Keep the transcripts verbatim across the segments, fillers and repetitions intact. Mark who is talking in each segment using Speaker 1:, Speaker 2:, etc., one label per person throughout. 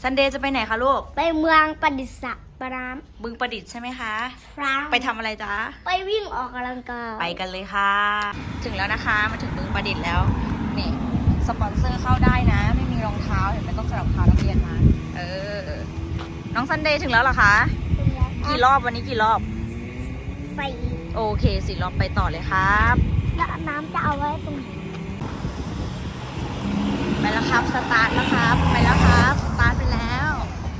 Speaker 1: ซันเดย์จะไปไหนคะลูก
Speaker 2: ไปเมืองประดิษฐ์ปราม
Speaker 1: บึงประดิษฐ์ใช่ไหมคะ
Speaker 2: ครับ
Speaker 1: ไปทำอะไรจ๊ะ
Speaker 2: ไปวิ่งออกกำลังกาย
Speaker 1: ไปกันเลยค่ะถึงแล้วนะคะมาถึงบึงประดิษฐ์แล้วนี่สปอนเซอร์เข้าได้นะไม่มีรองเท้าเห็นไหมต้องใส่รองเท้านักเรียนมาเออน้องซันเดย์ถึงแล้วเหรอคะกี่รอบวันนี้กี่รอบ
Speaker 2: สี่
Speaker 1: โอเคสี่รอบไปต่อเลยครับ
Speaker 2: แล้วน้ำจะเอาไว้ตรงไหน
Speaker 1: ไปแล้วครับสตาร์ทแล้วครับไปแล้วครับสตาร์ทไปแล้ว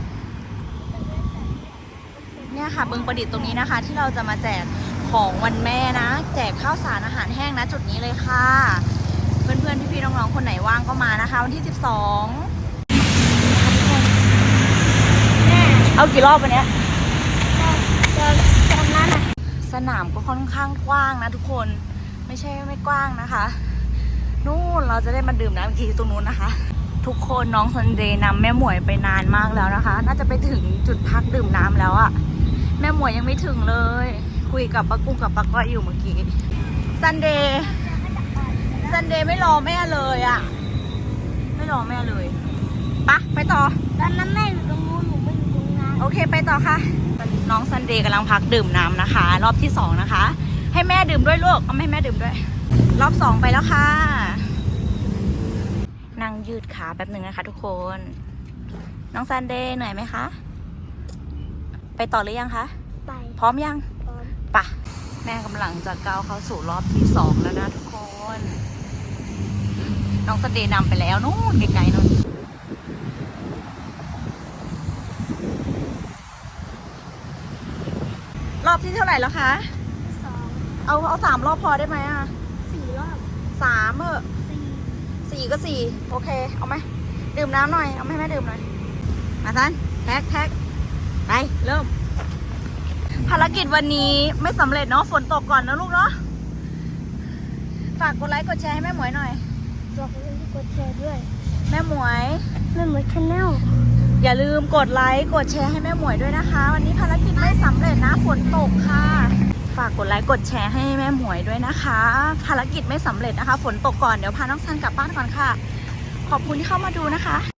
Speaker 1: เนี่ยค่ะบึงประดิษฐ์ตรงนี้นะคะ ที่เราจะมาแจกของวันแม่นะแจกข้าวสารอาหารแห้งนะจุดนี้เลยค่ะเพื่อนๆพี่ๆน้องๆคนไหนว่างก็มานะคะวันที่สิบสองเอากี่รอบวันเนี้ย
Speaker 2: ตอนตอนนั้นอ่ะ
Speaker 1: สนามก็ค่อนข้างกว้างนะทุกคนไม่ใช่ไม่กว้างนะคะนู่นเราจะได้มาดื่มน้ำกี่ตรงนู้นนะคะทุกคนน้องซันเดย์นำแม่หมวยไปนานมากแล้วนะคะน่าจะไปถึงจุดพักดื่มน้ำแล้วอะแม่หมวยยังไม่ถึงเลยคุยกับป้ากุ้งกับป้าก้อยอยู่เมื่อกี้ซันเดย์ซันเดย์ไม่รอแม่เลยอะไม่รอแม่เลยปะไปต่อ
Speaker 2: ตอนนั้นแม่อยู่ตรงนู้นหนูไม่อยู่ตรงนั้น
Speaker 1: โอเคไปต่อค่ะน้องซันเดย์กำลังพักดื่มน้ำนะคะ รอบที่สองนะคะให้แม่ดื่มด้วยลูกเอาให้แม่ดื่มด้วยรอบสองไปแล้วค่ะนั่งยืดขาแป๊บหนึ่งนะคะทุกคนน้องซันเดย์เหนื่อยไหมคะไปต่อหรือยังคะ
Speaker 2: ไป
Speaker 1: พร้อมยัง
Speaker 2: พร้อม
Speaker 1: ปะแม่กำลังจะก้าวเข้าสู่รอบที่สองแล้วนะทุกคนน้องซันเดย์นำไปแล้วนู้นไกลๆนู้นรอบที่เท่าไหร่แล้วคะ
Speaker 2: สอง
Speaker 1: เอาเอาสามรอบพอได้ไหมอ่ะ
Speaker 2: สี่รอบ
Speaker 1: สามเออ
Speaker 2: สี่
Speaker 1: สี่ก็สี่โอเคเอาไหมดื่มน้ำหน่อยเอาไหมแม่ดื่มหน่อยมาซันแท็กแท็กไปเริ่มภารกิจวันนี้ไม่สำเร็จเนาะฝนตกก่อนนะลูกเนาะฝากกดไลค์กดแชร์ให้แม่หมวยหน่อย
Speaker 2: บอกเลยกดแชร์ด้วย
Speaker 1: แม่หมวย
Speaker 2: แม่หมวยชาแนล
Speaker 1: อย่าลืมกดไลค์กดแชร์ให้แม่หมวยด้วยนะคะวันนี้ภารกิจไม่สำเร็จนะฝนตกค่ะฝากกดไลค์กดแชร์ให้แม่หมวยด้วยนะคะภารกิจไม่สำเร็จนะคะฝนตกก่อนเดี๋ยวพาน้องซันกลับบ้านก่อนค่ะขอบคุณที่เข้ามาดูนะคะ